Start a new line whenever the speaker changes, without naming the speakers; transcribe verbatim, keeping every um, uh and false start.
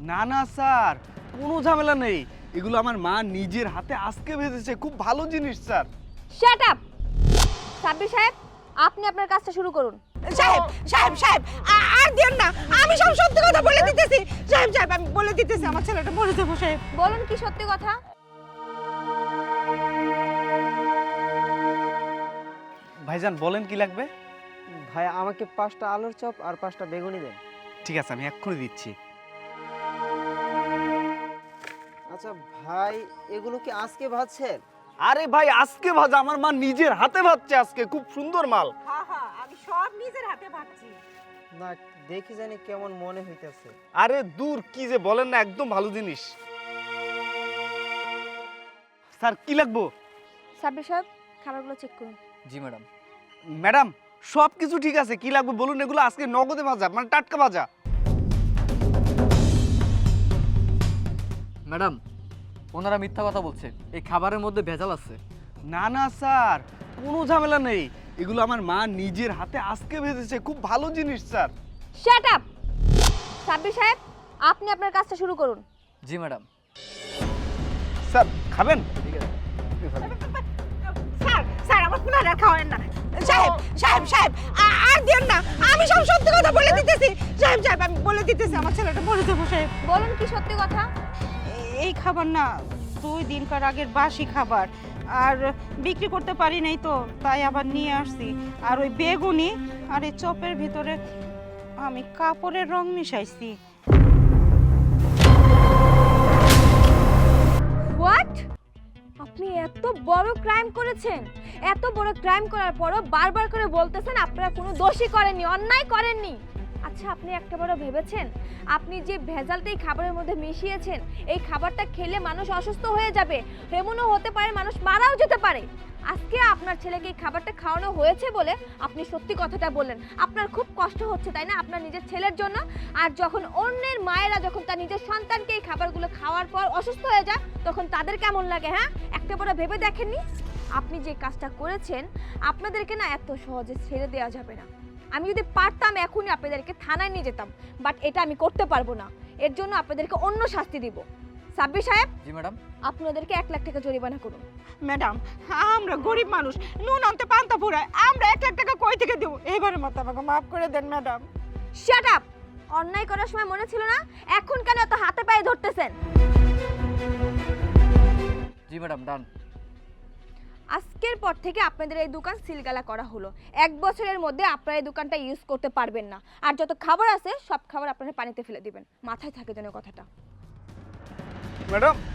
না না স্যার, কোনো ঝামেলা নেই। এগুলো আমার মা নিজের হাতে আজকে ভেজেছে, খুব ভালো জিনিস স্যার।
Shut up. সাব্বির সাহেব, আপনি আপনার কাজটা শুরু করুন।
সাহেব সাহেব সাহেব আ- আর দিন না, আমি সব সত্যি কথা বলে দিতেছি। সাহেব সাহেব আমি বলে দিতেছি, আমার ছেলেটা মরে যাবো সাহেব।
বলুন কি সত্যি কথা?
ভাইজান বলেন কি লাগবে?
ভাই আমাকে পাঁচটা আলুর চপ আর পাঁচটা বেগুনি দেন।
ঠিক আছে, আমি এক্ষুনি দিচ্ছি।
আচ্ছা ভাই, এগুলো কি আজকে ভাজছেন?
আরে ভাই, আজকে ভাজা, আমার মা নিজের হাতে ভাজছে আজকে, খুব সুন্দর মাল।
হ্যাঁ হ্যাঁ, আমি সব নিজের হাতে ভাবছি।
না, দেখি জানি কেমন মনে হইতেছে।
আরে দূর, কি যে বলেন না, একদম ভালো জিনিস। স্যার কি লাগবো?
সাব্বির সাহেব, খাবারগুলো চেক করুন।
জি ম্যাডাম।
ম্যাডাম সব কিছু ঠিক আছে, কি লাগবে বলুন। এগুলো আজকে নগদে ভাজা, মানে টাটকা ভাজা।
ম্যাডাম, ওনারা মিথ্যা কথা বলছে, এই খাবারের মধ্যে ভেজাল আছে।
না না স্যার, কোনো ঝামেলা নেই। এগুলো আমার মা নিজের হাতে আজকে ভেজেছে, খুব ভালো জিনিস স্যার।
Shut up. সাব্বির সাহেব, আপনি আপনার কাজটা শুরু করুন।
জি ম্যাডাম।
স্যার খাবেন?
ঠিক আছে।
স্যার স্যার আমার পুনার আর খাওয়ান না। সাহেব সাহেব সাহেব আ- আর দিন না, আমি সব সত্যি কথা বলে দিতেছি। সাহেব সাহেব আমি বলে দিতেছি, আমার ছেলেটা মরে যাবো সাহেব।
বলুন কি সত্যি কথা?
এই খাবার না দুই দিনকার আগের বাসি খাবার, আর বিক্রি করতে পারি নাই তো তাই আবার নিয়ে আসছি। আর ওই বেগুনি আর এই চপের ভিতরে আমি কাপড়ের রং মিশাইছি।
হোয়াট? আপনি এত বড় ক্রাইম করেছেন? এত বড় ক্রাইম করার পরও বারবার করে বলতেছেন আপনারা কোনো দোষই করেননি, অন্যায় করেননি। আচ্ছা, আপনি একটাবারও ভেবেছেন আপনি যে ভেজালটা এই খাবারের মধ্যে মিশিয়েছেন, এই খাবারটা খেলে মানুষ অসুস্থ হয়ে যাবে, এমনও হতে পারে মানুষ মারাও যেতে পারে। আজকে আপনার ছেলেকে এই খাবারটা খাওয়ানো হয়েছে বলে আপনি সত্যি কথাটা বললেন। আপনার খুব কষ্ট হচ্ছে তাই না আপনার নিজের ছেলের জন্য? আর যখন অন্যের মায়েরা যখন তার নিজের সন্তানকে এই খাবারগুলো খাওয়ার পর অসুস্থ হয়ে যায়, তখন তাদের কেমন লাগে? হ্যাঁ, একটা বড় ভেবে দেখেননি? আপনি যে কাজটা করেছেন, আপনাদেরকে না এত সহজে ছেড়ে দেওয়া যাবে না। আমি যদি পারতাম এখনই আপনাদেরকে থানায় নিয়ে যেতাম, বাট এটা আমি করতে পারবো না। এর জন্য আপনাদেরকে অন্য শাস্তি দিব। সাব্বির সাহেব,
জি ম্যাডাম।
আপনাদেরকে এক লাখ টাকা জরিমানা করুন।
ম্যাডাম আমরা গরিব মানুষ, নুন আনতে পান্তা ফুরায়, আমরা এক লাখ টাকা কই থেকে দেবো? এবারের মতো আমাকে মাফ করে দেন ম্যাডাম।
Shut up. অন্যায় করার সময় মনে ছিল না, এখন কেন এত হাতে পায়ে ধরতেছেন?
জি ম্যাডাম, ডান।
আজকের পর থেকে আপনাদের এই দোকান সিলগালা করা হলো। এক বছরের মধ্যে আপনারা এই দোকানটা ইউজ করতে পারবেন না। আর যত খাবার আছে সব খাবার আপনারা পানিতে ফেলে দিবেন। মাথায় থাকে যেন কথাটা।
ম্যাডাম